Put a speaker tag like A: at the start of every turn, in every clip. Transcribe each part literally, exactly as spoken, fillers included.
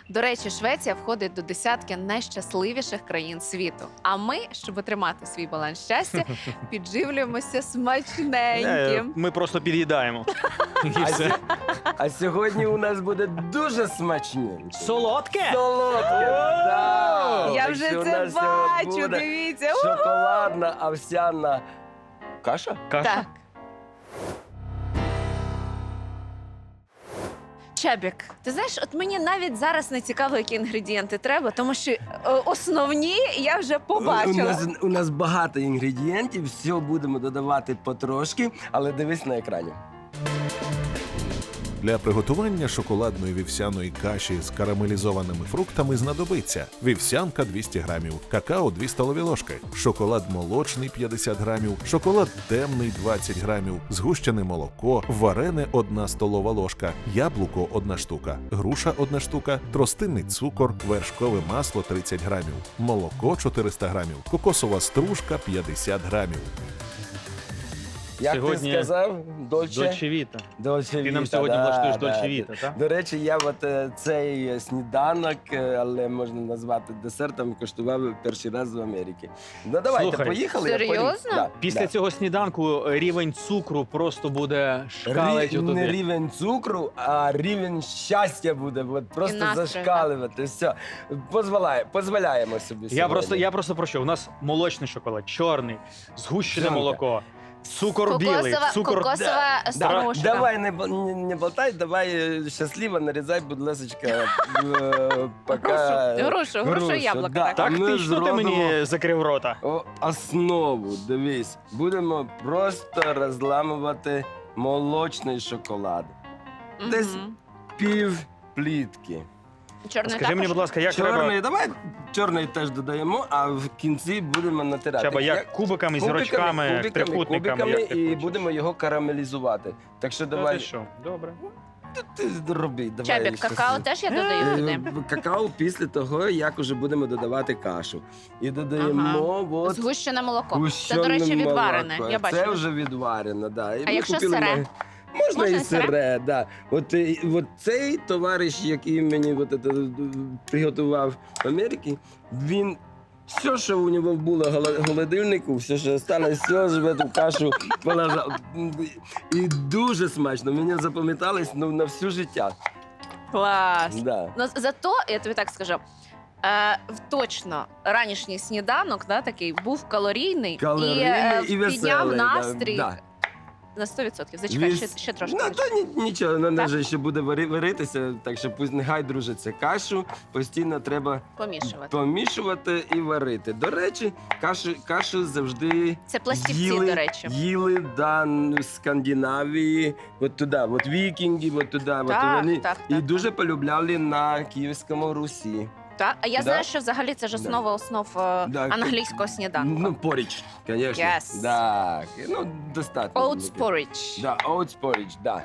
A: До речі, Швеція входить до десятки найщасливіших країн світу. А ми, щоб отримати свій баланс щастя, підживлюємося смачненьким.
B: Ми просто під'їдаємо. І
C: А,
B: все.
C: сь- а сьогодні у нас буде дуже смачненьке.
B: Солодке?
C: Солодке, да.
A: Я
C: Так
A: вже
C: що у
A: це
C: нас сьогодні
A: бачу,
C: буде
A: дивіться. У!
C: шоколадна овсяна каша.
B: Каша?
A: Так. Чабік, ти знаєш, от мені навіть зараз не цікаво, які інгредієнти треба, тому що е, основні я вже
C: У
A: побачила.
C: нас, у нас багато інгредієнтів, все будемо додавати потрошки, але дивись на екрані.
D: Для приготування шоколадної вівсяної каші з карамелізованими фруктами знадобиться вівсянка двісті грамів, какао дві столові ложки, шоколад молочний п'ятдесят грамів, шоколад темний двадцять грамів, згущене молоко, варене одна столова ложка, яблуко одна штука, груша одна штука, тростинний цукор, вершкове масло тридцять грамів, молоко чотириста грамів, кокосова стружка п'ятдесят грамів.
C: Як
B: Сьогодні
C: ти сказав, Дольче?
B: Дольче Віта.
C: Дольче
B: Ти нам
C: Віта,
B: сьогодні
C: да,
B: влаштуєш
C: да.
B: Дольче Віта, так?
C: До речі, я от е, цей сніданок, е, але можна назвати десертом, коштував перший раз в Америці. Ну давайте,
B: Слухай,
C: поїхали. я
A: серйозно?
C: порі- Да,
B: Після
C: да.
B: цього сніданку рівень цукру просто буде шкалить
C: Рі- не
B: отуди.
C: рівень цукру, а рівень щастя буде. От просто
A: настрою,
C: зашкалювати. Все. Позволяє, позволяємо собі
B: Я
C: сьогодні.
B: просто, я просто про що? У нас молочний шоколад, чорний, згущене
C: Жанка.
B: молоко, цукор білий,
A: Кокосова,
B: цукор...
A: кокосова
C: Да,
A: стружка.
C: давай не, бо- не, не болтай, давай е, щасливо нарізай, будь ласочка, е, пока...
A: Грушу, грушу, грушу, яблука.
C: да.
A: так.
B: Так
C: Ми
B: ти, що ти
C: зробимо-
B: мені закрив рота?
C: О, основу, дивись, будемо просто розламувати молочний шоколад. Десь
A: Мгм.
C: пів плітки.
A: Чорний
B: Скажи мені,
A: також?
B: будь ласка, як
C: Чорний,
B: треба...
C: давай чорний теж додаємо, а в кінці будемо натирати.
B: Чаба, як кубиками,
C: Кубиками,
B: зірочками,
C: кубиками,
B: трикутниками,
C: кубиками,
B: як ти
C: і
B: хочеш.
C: будемо його карамелізувати. Так що
B: Та
C: давай,
B: ти що? Добре.
C: ти роби, давай.
A: Чабік, какао
C: щасливо.
A: теж я додаю туди.
C: Е, Какао після того, як уже будемо додавати кашу. І додаємо от
A: Згущене молоко. Це,
C: гущене
A: до речі, відварене.
C: молоко.
A: Я
C: Це
A: бачила.
C: вже відварене, да. І
A: А
C: ми
A: якщо
C: купили
A: сире?
C: на- Можна,
A: Можна
C: і
A: і сире?
C: сире, да. От, е, от цей товариш, який мені от, це, е, приготував в Америці, він все, що у нього було в голо- холодильнику, все, що залишилось, все ж в эту кашу положив. І дуже смачно. Мені запам'яталось ну, на всю життя.
A: Клас.
C: Да.
A: Ну, зато, я тобі так скажу, е, в- точно ранішній сніданок да, такий був калорійний,
C: Калорійний
A: і, е,
C: і
A: підняв
C: веселий, да,
A: настрій
C: да.
A: на сто відсотків. Зачекай,
C: Віс-
A: ще, ще трошки.
C: Ну, то ні, нічого, вона
A: Так?
C: вже ще буде вари- варитися, так що пусть нехай дружиться. Кашу постійно треба
A: Помішувати.
C: помішувати і варити. До речі, кашу, кашу завжди
A: Це пластівці,
C: їли,
A: до речі.
C: їли да, з Скандинавії, от туди, от вікінги, от туди. от
A: Так,
C: вони
A: так,
C: і
A: так,
C: дуже полюбляли на Київському Русі.
A: Так, а я
C: Да?
A: знаю, що взагалі це ж
C: Да.
A: основа основ е,
C: Да,
A: англійського сніданку.
C: Ну, поріч, звісно.
A: Yes.
C: Так, ну, достатньо.
A: Oats porridge.
C: Да, oats porridge, да.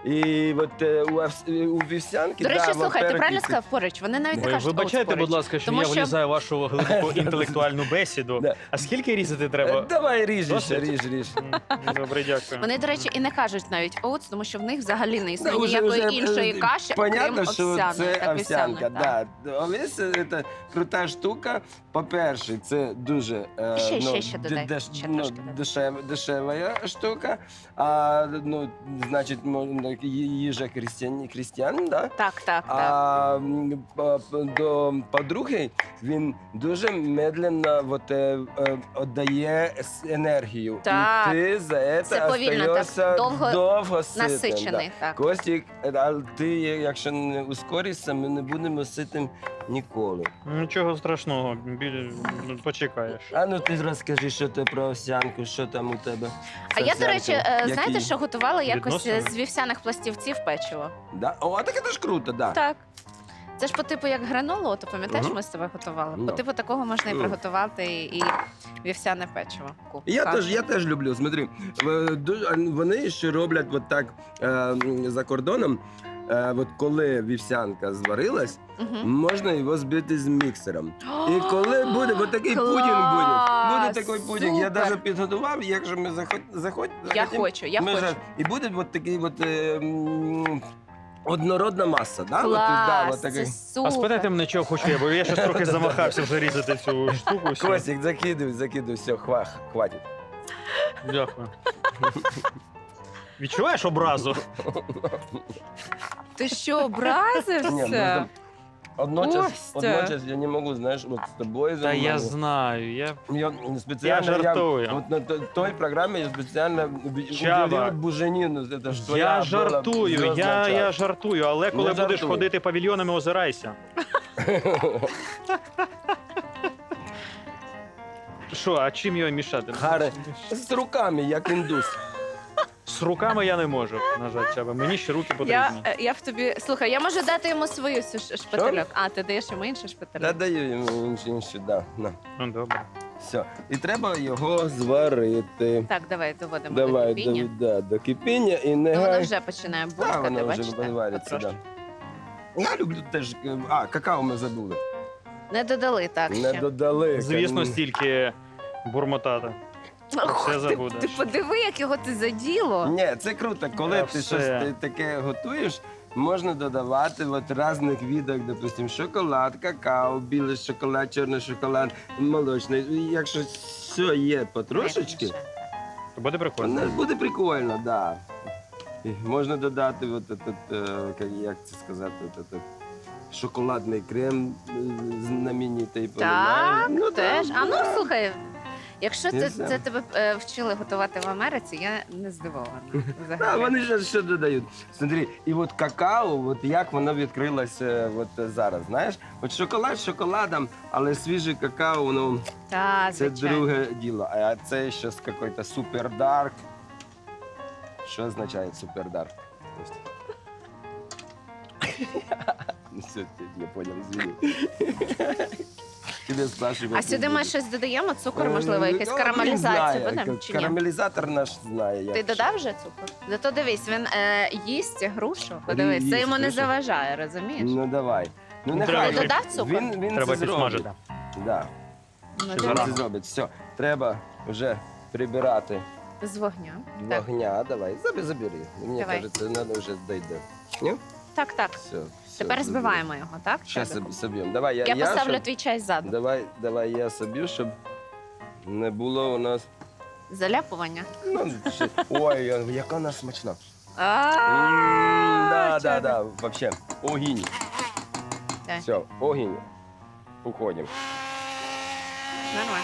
C: І от е, у, овс- у вівсянки,
A: До речі,
C: да,
A: слухай, ти
C: во-первых,
A: правильно
C: і-
A: сказав порridge? Вони навіть не
B: Ви
A: кажуть
B: вибачайте,
A: oats
B: будь
A: porridge.
B: ласка, що
A: Тому
B: я
A: що-
B: влізаю в вашу глибоку інтелектуальну бесіду.
C: Да.
B: А скільки різати
C: Е,
B: треба?
C: Давай ріж, ще,
B: Досить?
C: ріж, ріж.
B: М, Добре, дякую.
A: Вони, до речі, і не кажуть навіть oats, тому що в них взагалі не існує
C: Да, уже-
A: ніякої
C: уже,
A: іншої
C: е,
A: каші,
C: Понятно,
A: окрім
C: що
A: овсяної.
C: це
A: Так,
C: овсянка,
A: вівсяної,
C: да. Овес – це крута штука. По-перше, це дуже е,
A: Ще,
C: ну,
A: ще, ще додай.
C: деш-
A: Ще
C: ну,
A: трошки додай.
C: дешев, дешева штука. А, ну, значить, мо- ї- їжа крістян, крістян, да?
A: Так, так, так.
C: А м, по- по- до по-друге, він дуже медленно вот, е, е, віддає с- енергію.
A: Так.
C: І ти за це,
A: Це повільно, так,
C: остаєшся
A: довго
C: довго ситим,
A: Насичений,
C: Да.
A: так.
C: Костік, а ти, якщо не ускоришся, ми не будемо ситим ніколи.
B: Нічого страшного, біль... ну, почекаєш.
C: А ну ти розкажи, що ти про овсянку, що там у тебе.
A: А
C: з
A: я, до речі, е,
C: овсянкою?
A: знаєте,
C: Який?
A: що готувала якось е,
B: Відносини?
A: з вівсяних пластівців печиво?
C: Да? О, так це ж круто, да.
A: Так. Це ж по типу як гранолу, то пам'ятаєш,
C: Мгм.
A: ми з тобою готували? По
C: Ну.
A: типу такого можна і
C: Ну.
A: приготувати і, і вівсяне печиво. Ку-
C: Я
A: кашу.
C: теж, я теж люблю. Смотри, в- ду- вони ще роблять от так е, м, за кордоном. Е, от коли вівсянка зварилась,
A: Мгм.
C: можна його збити з міксером. І коли буде, от такий пудінг буде. Буде
A: Клас!
C: такий пудінг. Я
A: Супер!
C: навіть підготував, якщо ми заход, заход,
A: Я
C: захотім,
A: хочу, я
C: ми
A: хочу.
C: ж- І буде от такий от, е, м, однородна маса, да? От,
A: Клас,
C: да, от
A: це
C: такий.
A: супер.
B: А спитайте мене, чого хочу я, бо я щось трохи замахався вже різати цю штуку. всю.
C: Костік, закидуй, закидуй, все, хва, хватить.
B: Дякую. Відчуваєш образу?
A: Ти що,
C: Ні, ну,
A: образився?
C: там Одночас,
A: Костя.
C: одночас я не можу, знаєш, от з тобою
B: Та я
C: займатися.
B: знаю, я...
C: Я спеціально,
B: Я жартую.
C: от на то- той програмі я спеціально
B: Чаба.
C: уділив буженіну. Це ж твоя
B: Я
C: була
B: жартую,
C: зв'язна
B: я, я
C: час.
B: жартую, але коли
C: Не
B: будеш
C: жартуй.
B: ходити павільйонами, озирайся. Що, а чим його мішати?
C: Харе, з руками, як індус.
B: З руками я не можу, на жаль, Чаба. Мені ще руки потрібні.
A: Я, е, я в тобі. Слухай, я можу дати йому свою ш- ш- шпательок. А, ти даєш йому інший
C: Та
A: шпательок?
C: даю йому іншу, іншу, да. На.
B: Ну, добре.
C: Все. І треба його зварити.
A: Так, давай доводимо до
C: Давай,
A: кипіння.
C: до, да, до кипіння і не
A: Ну, воно
C: гай.
A: вже починає
C: Да,
A: булькати,
C: воно вже
A: бачите?
C: вариться, да.
B: Трошки.
C: Я люблю теж. е, А, какао ми забули.
A: Не додали так
C: Не
A: ще.
C: додали.
B: Звісно, стільки бурмотати.
A: Ох,
B: все
A: ти,
B: забудеш.
A: ти подиви, як його ти заділо.
C: Ні, це круто. Коли
B: Та
C: ти
B: все.
C: щось та- таке готуєш, можна додавати от різних видах, допустим, шоколад, какао, білий шоколад, чорний шоколад, молочний. І якщо все є потрошечки,
B: То буде
C: воно
B: прикольно.
C: буде прикольно, так. Да. І можна додати, от, этот, е, як- як це сказати, от, этот, шоколадний крем е, знаменитий.
A: Так,
C: ну,
A: теж.
C: да,
A: А ну
C: да.
A: слухай, якщо
C: Я
A: це,
C: знаю.
A: це тебе е, вчили готувати в Америці, я не здивована.
C: А,
A: Взагалі.
C: вони ж що додають. Смотри, і от какао, от як воно відкрилося от зараз, знаєш? От шоколад з шоколадом, але свіже какао, воно
A: Та,
C: це
A: звичайно.
C: друге діло. А це щось якийсь супер дарк. Що означає супер дарк? Ну все, ти не понял, извини. Тебе спрашивают.
A: А сюди ми щось додаємо? Цукор, можливо,
C: Е,
A: якась
C: ну,
A: карамелізація
C: він знає,
A: буде?
C: ка-
A: Чи ні?
C: Карамелізатор наш знає. як
A: Ти
C: що.
A: додав вже цукор? Зато дивись, він е, їсть грушу. Подивись,
C: Їсть
A: це йому не
C: грушу.
A: заважає, розумієш?
C: Ну давай. Ну
B: Ну,
C: нехай.
B: треба
A: Ти
B: ще-
A: додав цукор?
C: Він, він
B: Треба
C: це
B: підсмажити.
C: зробить. Да.
A: Ну,
B: Ще
C: Він
A: дивись.
B: зарано.
C: це зробить. Все, треба вже прибирати
A: З вогня. Так,
C: вогня. Давай, забі- забери. Мені
A: Давай.
C: кажеться, треба вже дійде. Ні?
A: так, так.
C: Все, все.
A: Тепер збиваємо його, так?
C: Зараз
A: Чабіку?
C: соб'ємо. Давай, я,
A: Я поставлю
C: щоб-
A: твій чай ззаду.
C: Давай, давай я соб'ю, щоб не було у нас.
A: Заляпування.
C: Ну, ще... Ой, яка вона смачна. М,
A: А,
C: Да, да,
A: Чабік.
C: да, вообще. Огінь.
A: Так,
C: Все, огінь. Уходимо.
A: Нормально.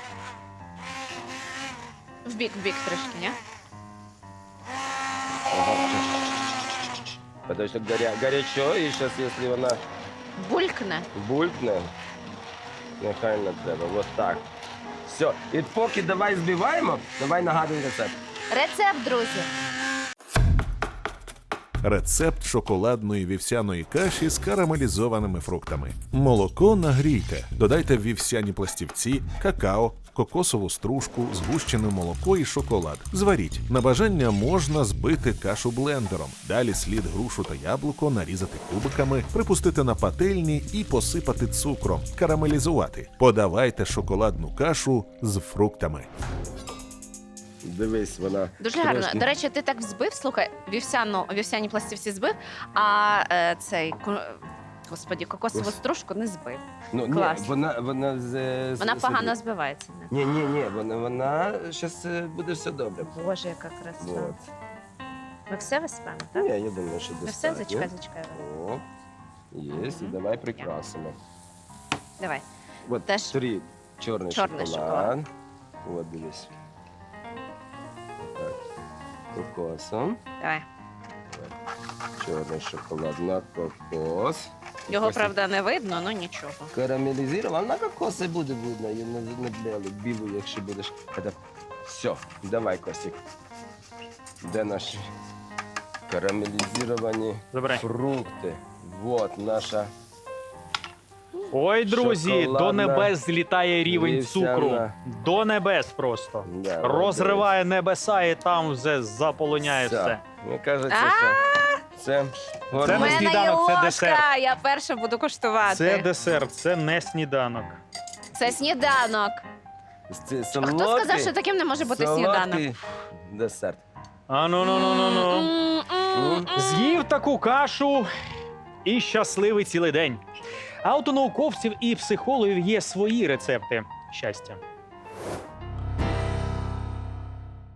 A: В бік, в бік трішки, ні?
C: Ага. Потому что горя... горячо, и сейчас, если вона
A: Булькне.
C: булькне, нехай не треба. Вот так. Все. І поки давай збиваємо, давай нагадуй рецепт.
A: Рецепт, друзі.
D: Рецепт шоколадної вівсяної каші з карамелізованими фруктами. Молоко нагрійте, додайте вівсяні пластівці, какао, кокосову стружку, згущене молоко і шоколад. Зваріть. На бажання можна збити кашу блендером. Далі слід грушу та яблуко нарізати кубиками, припустити на пательні і посипати цукром. Карамелізувати. Подавайте шоколадну кашу з фруктами.
C: Дивись, вона.
A: Дуже гарно.
C: трошки-
A: До речі, ти так взбив, слухай, вівсяну, вівсяні пластівці збив, а е, цей, ко- господі, кокосову
C: Ось.
A: стружку не збив.
C: Ну, ні,
A: клас.
C: вона, вона, з, з-
A: Вона
C: з-
A: погано збивається. Не?
C: Ні, ні, ні, вона, вона, зараз буде все добре.
A: Боже, яка краса.
C: Вот.
A: Ми все виспемо, так?
C: Ні, я думаю, що
A: Ми все,
C: достатньо.
A: зачекай, зачекай.
C: О, є, і
A: Мгм.
C: давай прикрасимо.
A: Давай.
C: От
A: Теж
C: три чорний,
A: чорний
C: шоколад. От дивись. Так. Кокосом.
A: Давай.
C: Чорний шоколад на кокос.
A: Його,
C: Кокос
A: правда, не видно, ну нічого.
C: карамелізував, на кокоси буде видно, і на, на білу, білу, якщо будеш. Это... Все, давай, Костік. Де наші карамелізовані
B: Забирай.
C: фрукти? Вот наша
B: Ой, друзі, до
C: Шоколадна
B: небес злітає рівень
C: вівсяна.
B: цукру. До небес просто.
C: да,
B: Розриває небеса і там вже заполоняє все.
C: Мені кажеться,
A: А!
C: що це
B: Це
A: У
B: не
C: гормон.
A: мене є
B: сніданок, це
A: ложка,
B: десерт.
A: я перша буду коштувати.
B: Це десерт, це не сніданок.
A: Це сніданок.
C: Це
A: А
C: солодкий,
A: хто сказав, що таким не може бути сніданок?
C: солодкий десерт.
B: А ну ну ну ну ну.
A: М-м-м.
C: М?
B: З'їв таку кашу і щасливий цілий день. А от у науковців і психологів є свої рецепти щастя.